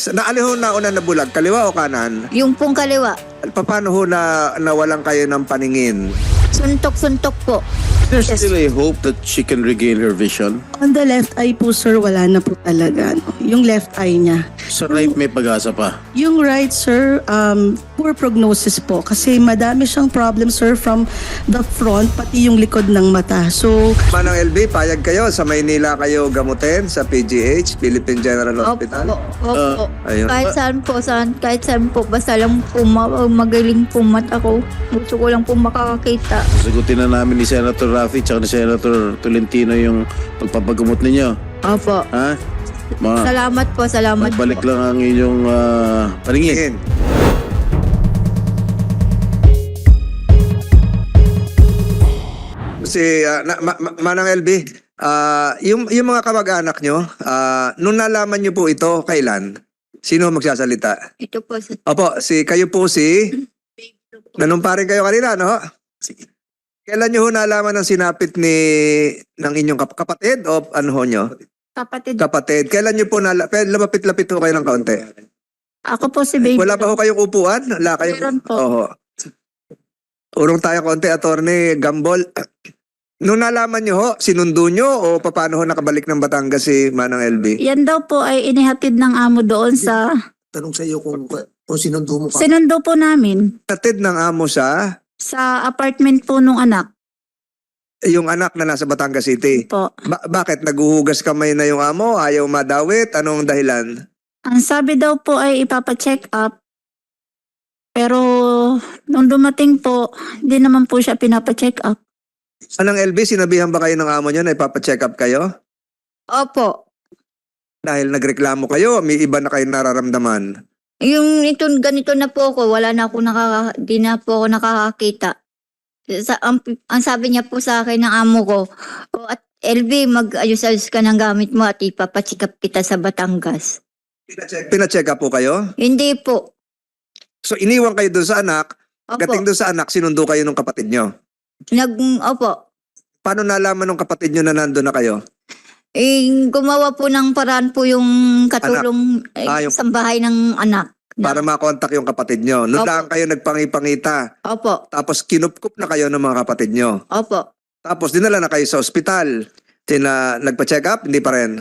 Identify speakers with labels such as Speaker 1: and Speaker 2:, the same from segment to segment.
Speaker 1: Naali ho na una na bulag, kaliwa o kanan?
Speaker 2: Yung pong kaliwa,
Speaker 1: Paano ho na nawalan kayo ng paningin?
Speaker 2: suntok-suntok po.
Speaker 3: There's
Speaker 2: Yes.
Speaker 3: still a hope that she can regain her vision.
Speaker 4: On the left eye po, sir, wala na po talaga. No? Yung left eye niya.
Speaker 3: Sa right, may pag-asa pa.
Speaker 4: Yung right, sir, poor prognosis po. Kasi madami siyang problem, sir, from the front, pati yung likod ng mata. So,
Speaker 1: Manang LB, payag kayo sa Maynila kayo gamutin sa PGH, Philippine General Hospital?
Speaker 2: Opo.
Speaker 1: Ayun.
Speaker 2: Kahit saan po, basta lang po magaling po mata ko. Gusto ko lang po makakakita.
Speaker 3: Sagutin na namin ni Senator Raffy at ni Senator Tolentino yung pagpapagamot ninyo.
Speaker 2: Opo.
Speaker 3: Ha?
Speaker 2: Salamat po.
Speaker 3: Magbalik lang ang inyong paningin.
Speaker 1: Tingin. Manang LB, yung mga kamag-anak nyo, nung nalaman nyo po ito, kailan? Sino magsasalita?
Speaker 2: Ito po.
Speaker 1: Opo, kayo po nanumparin kayo kanina, no? Kailan nyo ho nalaman ng sinapit ng inyong kapatid o ano ho nyo?
Speaker 2: Kapatid.
Speaker 1: Kapatid. Kailan nyo po lumapit-lapit ho kayo ng kaunti?
Speaker 2: Ako po si baby.
Speaker 1: Wala pa ho kayong upuan? Wala kayong...
Speaker 2: Meron po.
Speaker 1: Oho. Urong tayo konti, Attorney Gambol. Nung nalaman nyo ho, sinundo nyo o paano ho nakabalik ng Batangas si Manang LB?
Speaker 2: Yan daw po ay inihatid ng amo doon sa...
Speaker 5: Tanong sa iyo kung sinundo mo pa.
Speaker 2: Sinundo po namin
Speaker 1: Natid ng amo sa
Speaker 2: sa apartment po nung anak
Speaker 1: yung anak na nasa Batangas City.
Speaker 2: po.
Speaker 1: Bakit? Naguhugas kamay na yung amo? Ayaw madawit? Anong dahilan?
Speaker 2: Ang sabi daw po ay ipapacheck up. Pero nung dumating po, hindi naman po siya pinapacheck up.
Speaker 1: Manang LB, sinabihan ba kayo ng amo nyo na ipapacheck up kayo?
Speaker 2: Opo.
Speaker 1: Dahil nagreklamo kayo, may iba na kayo nararamdaman.
Speaker 2: Yung ito, ganito na po ako, di na po ako nakakakita. Ang sabi niya po sa akin ng amo ko, at LB, mag-ayos-ayos ka ng gamit mo at ipapacheck up kita sa Batangas.
Speaker 1: Pinacheck up po kayo?
Speaker 2: Hindi po.
Speaker 1: So iniwan kayo doon sa anak,
Speaker 2: Opo.
Speaker 1: gating doon sa anak, sinundo kayo ng kapatid nyo.
Speaker 2: Opo.
Speaker 1: Paano nalaman ng kapatid nyo na nandun na kayo?
Speaker 2: Gumawa po ng paraan po yung katulong
Speaker 1: Yung-
Speaker 2: sa bahay ng anak.
Speaker 1: Para makontak yung kapatid nyo. Noon
Speaker 2: Opo.
Speaker 1: lang kayo nagpangipangita.
Speaker 2: Opo.
Speaker 1: Tapos kinupkup na kayo ng mga kapatid nyo.
Speaker 2: Opo.
Speaker 1: Tapos dinala na kayo sa ospital. Nagpa-check up? Hindi pa rin.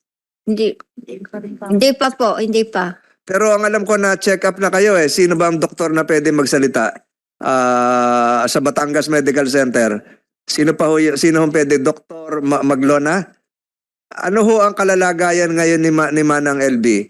Speaker 2: Hindi pa po. Hindi pa.
Speaker 1: Pero ang alam ko na check up na kayo eh. Sino ba ang doktor na pwede magsalita? Sa Batangas Medical Center. Sino ho pwede? Doktor Maglona? Ano ho ang kalalagayan ngayon ni Manang LB?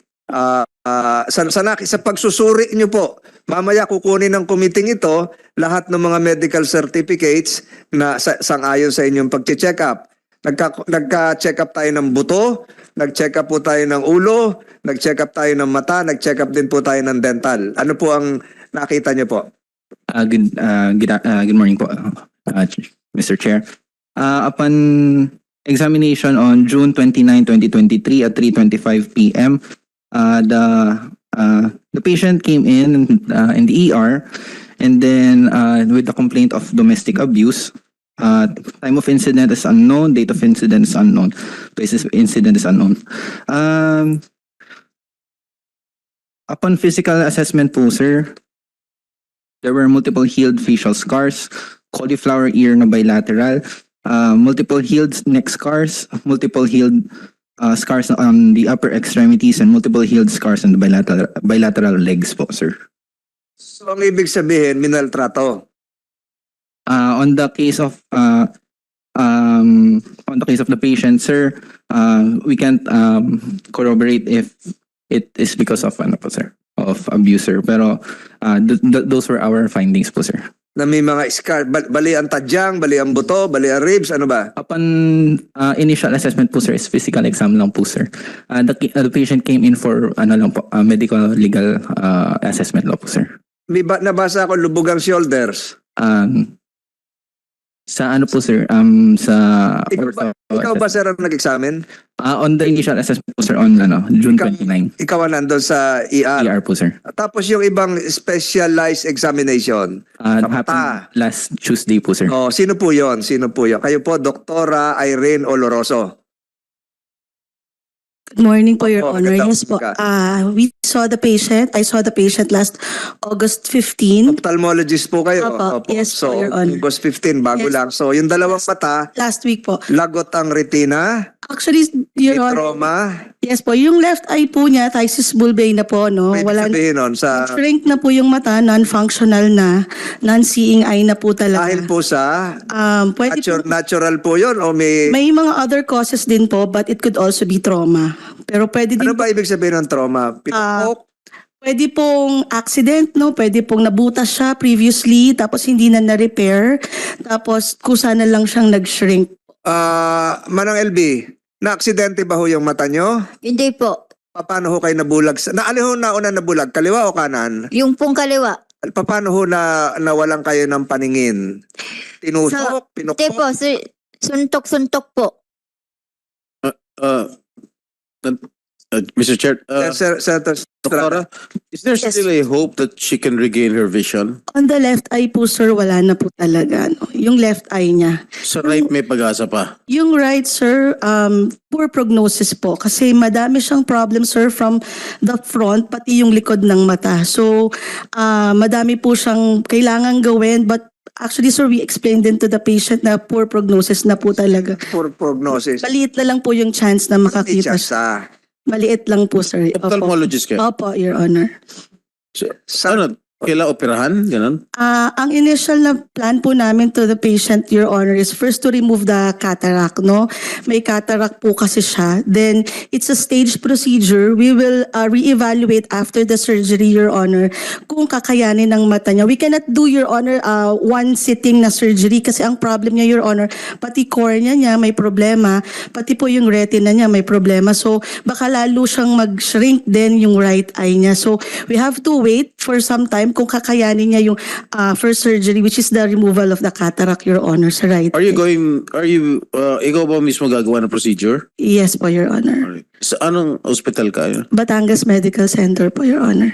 Speaker 1: Sa pagsusuri nyo po, mamaya kukunin ng committee ito lahat ng mga medical certificates na sang-ayon sa inyong pag-check up. Nagka-check up tayo ng buto, nag-check up po tayo ng ulo, nag-check up tayo ng mata, nag-check up din po tayo ng dental. Ano po ang nakita nyo po?
Speaker 6: Good morning po, Mr. Chair. Upon examination on June 29, 2023 at 3:25 p.m., the patient came in the ER and then with the complaint of domestic abuse. Time of incident is unknown, date of incident is unknown, places of incident is unknown. Upon physical assessment po, sir, there were multiple healed facial scars, cauliflower ear na bilateral, multiple healed neck scars, multiple healed scars on the upper extremities, and multiple healed scars on the bilateral legs po, sir.
Speaker 1: So ang ibig sabihin, minaltrato.
Speaker 6: On the case of the patient, sir, we can't corroborate if it is because of of abuser. Pero those were our findings po, sir.
Speaker 1: Na may mga scar, bali ang tadyang, bali ang buto, bali ang ribs, ano ba?
Speaker 6: Upon initial assessment po, sir, is physical exam lang po, sir. The patient came in for medical legal assessment lang po, sir.
Speaker 1: Nabasa ako lubog ang shoulders.
Speaker 6: Sa ano po, sir?
Speaker 1: Ikaw ba sir ang nag-examine?
Speaker 6: On the initial assessment po, sir, on June 29.
Speaker 1: Ikaw ang nandun sa ER.
Speaker 6: ER po, sir.
Speaker 1: Tapos yung ibang specialized examination. Sa mata.
Speaker 6: Happened last Tuesday po, sir.
Speaker 1: Oh, sino po yon? Sino po yon? Kayo po, Doktora Irene Oloroso.
Speaker 4: Good morning po, Your
Speaker 1: Opo,
Speaker 4: Honor.
Speaker 1: magandang
Speaker 4: Yes po.
Speaker 1: umaga.
Speaker 4: We saw the patient. I saw the patient last August 15.
Speaker 1: Ophthalmologist po kayo.
Speaker 4: Opo, yes
Speaker 1: So,
Speaker 4: po, Your Honor.
Speaker 1: August 15, bago
Speaker 4: Yes
Speaker 1: lang. So, yung dalawang mata,
Speaker 4: Last week po.
Speaker 1: lagot ang retina,
Speaker 4: Actually,
Speaker 1: may
Speaker 4: Your Honor,
Speaker 1: trauma.
Speaker 4: yes po, yung left eye po niya, thysis bulbae na po, no?
Speaker 1: May
Speaker 4: Wala,
Speaker 1: sabihin nun sa
Speaker 4: shrink na po yung mata, non-functional na, non-seeing eye na po talaga.
Speaker 1: dahil po sa
Speaker 4: Pwede po,
Speaker 1: natural po yun o may
Speaker 4: may mga other causes din po, but it could also be trauma. Pero pwede din
Speaker 1: ano ba ibig sabihin ng trauma? Pinupok?
Speaker 4: pwede pong accident, no? Pwede pong nabutas siya previously, tapos hindi na na-repair, tapos kusa na lang siyang nag-shrink.
Speaker 1: Manang LB, na-aksidente ba ho yung mata nyo?
Speaker 2: Hindi po.
Speaker 1: Paano ho kayo nabulag? Naali ho nauna nabulag? Kaliwa o kanan?
Speaker 2: Yung pong kaliwa.
Speaker 1: Paano ho na nawalan kayo ng paningin? Tinusok?
Speaker 2: Hindi
Speaker 1: Pinukpok?
Speaker 2: po. Suntok-suntok po.
Speaker 3: Mr. Chair,
Speaker 1: Senator
Speaker 3: Doktora, is there
Speaker 2: Yes.
Speaker 3: still a hope that she can regain her vision?
Speaker 4: On the left eye po, sir, wala na po talaga, no? Yung left eye niya.
Speaker 3: Sa right may pag-asa pa.
Speaker 4: Yung right, sir, poor prognosis po. Kasi madami siyang problem, sir, from the front, pati yung likod ng mata. So, madami po siyang kailangan gawin. But actually, sir, we explained din to the patient na poor prognosis na po talaga.
Speaker 1: for prognosis.
Speaker 4: Maliit na lang po yung chance na makakita
Speaker 1: May
Speaker 4: siya.
Speaker 1: chance,
Speaker 4: Maliit lang po, sir. Opo.
Speaker 3: Ophthalmologist ka.
Speaker 4: Opo, Your Honor.
Speaker 3: Ano? Kailangan operahan? Ganon?
Speaker 4: Ang initial na plan po namin to the patient, Your Honor, is first to remove the cataract, no? May cataract po kasi siya. Then, it's a staged procedure. We will reevaluate after the surgery, Your Honor, kung kakayanin ng mata niya. We cannot do, Your Honor, one sitting na surgery kasi ang problem niya, Your Honor, pati cornea niya may problema, pati po yung retina niya may problema. So, baka lalo siyang mag-shrink din yung right eye niya. So, we have to wait for some time kung kakayanin niya yung first surgery, which is the removal of the cataract, Your Honor, sa right
Speaker 3: Are you
Speaker 4: eye.
Speaker 3: ikaw ba mismo gagawa ng procedure?
Speaker 4: Yes po, Your Honor.
Speaker 3: Alright. Sa anong hospital ka?
Speaker 4: Batangas Medical Center po, Your Honor.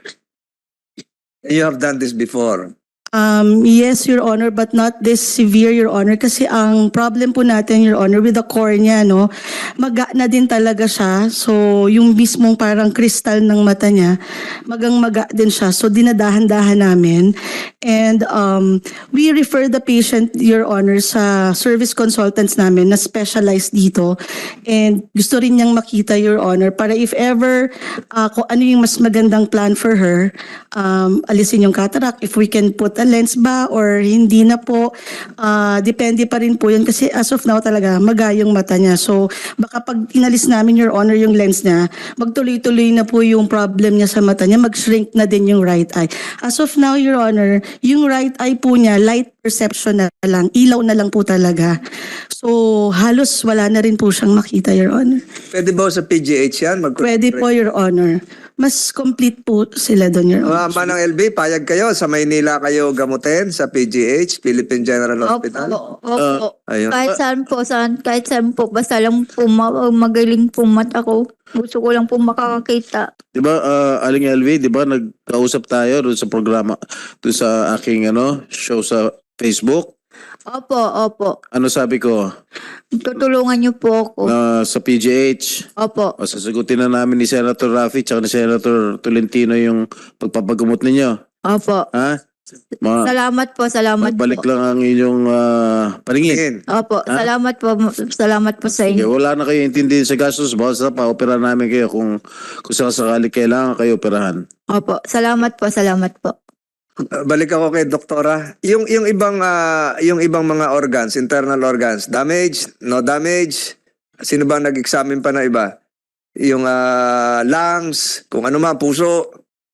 Speaker 1: You have done this before.
Speaker 4: Yes, Your Honor, but not this severe, Your Honor. Kasi ang problem po natin, Your Honor, with the cornea, no, maga na din talaga siya. So, yung mismong parang kristal ng mata niya, maga din siya. So, dinadahan-dahan namin. And we refer the patient, Your Honor, sa service consultants namin na specialized dito. And gusto rin niyang makita, Your Honor, para if ever kung ano yung mas magandang plan for her, alisin yung cataract, if we can put a lens ba or hindi na po, depende pa rin po yun kasi as of now talaga magayong mata niya. So baka pag inalis namin, Your Honor, yung lens niya, magtuloy-tuloy na po yung problem niya sa mata niya, mag-shrink na din yung right eye. As of now, Your Honor, yung right eye po niya, light perception na lang, ilaw na lang po talaga. So halos wala na rin po siyang makita, Your Honor.
Speaker 1: Pwede ba sa PGH yan?
Speaker 4: Pwede po, Your Honor. Mas complete po sila doon, Your Honor.
Speaker 1: Manang LB, payag kayo sa Maynila kayo gamutin sa PGH, Philippine General Hospital.
Speaker 2: Opo.
Speaker 1: Ayun.
Speaker 2: Kahit saan po, basta lang po magaling po mata ko. Gusto ko lang po makakakita.
Speaker 3: Di ba, Aling LV, di ba, nagkausap tayo doon sa programa, doon sa aking show sa Facebook.
Speaker 2: Opo.
Speaker 3: Ano sabi ko?
Speaker 2: Tutulungan niyo po ako.
Speaker 3: Sa PGH,
Speaker 2: Opo.
Speaker 3: sasagutin na namin ni Senator Raffy tsaka ni Senator Tolentino yung pagpapagamot ninyo.
Speaker 2: Opo.
Speaker 3: Ha?
Speaker 2: Salamat po.
Speaker 3: Balik lang ang inyong paningin.
Speaker 2: Opo. Salamat po sa
Speaker 3: Sige,
Speaker 2: inyo.
Speaker 3: wala na kayo intindihin sa gastos. Basta pa-opera namin kayo kung sakasakali kailangan kayo operahan.
Speaker 2: Opo. Salamat po.
Speaker 1: Balik ako kay doktora. Yung ibang mga organs, internal organs, damage, no damage. Sino ba nag-examine pa na iba? Yung lungs, kung ano man, puso.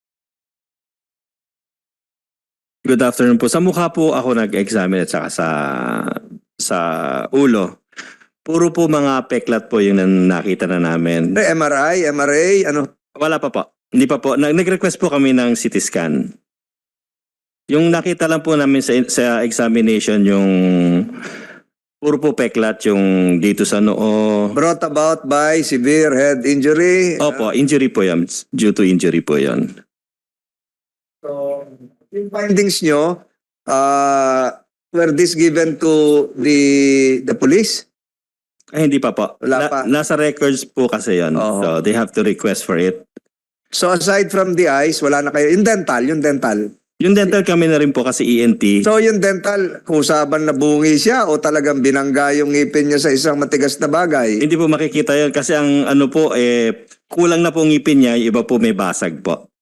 Speaker 7: Good afternoon po. Sa mukha po ako nag-examine at saka sa ulo. Puro po mga peklat po yung nakita na namin.
Speaker 1: MRI, ano?
Speaker 7: Wala pa po. Hindi pa po. Nag-request po kami ng CT scan. Yung nakita lang po namin sa examination yung puro po peklat yung dito sa noo.
Speaker 1: Brought about by severe head injury.
Speaker 7: Opo, injury po yan. Due to injury po yan.
Speaker 1: So, yung findings nyo, were this given to the police?
Speaker 7: Ay, hindi pa po.
Speaker 1: Wala pa.
Speaker 7: Nasa records po kasi yon.
Speaker 1: Oo.
Speaker 7: So they have to request for it.
Speaker 1: So aside from the eyes, wala na kayo. Yung dental.
Speaker 7: Yung dental kami na rin po kasi ENT.
Speaker 1: So yung dental, kusaban na bungi siya o talagang binangga yung ngipin niya sa isang matigas na bagay?
Speaker 7: Hindi po makikita yon kasi ang ano po, kulang na po ngipin niya, yung iba po may basag po.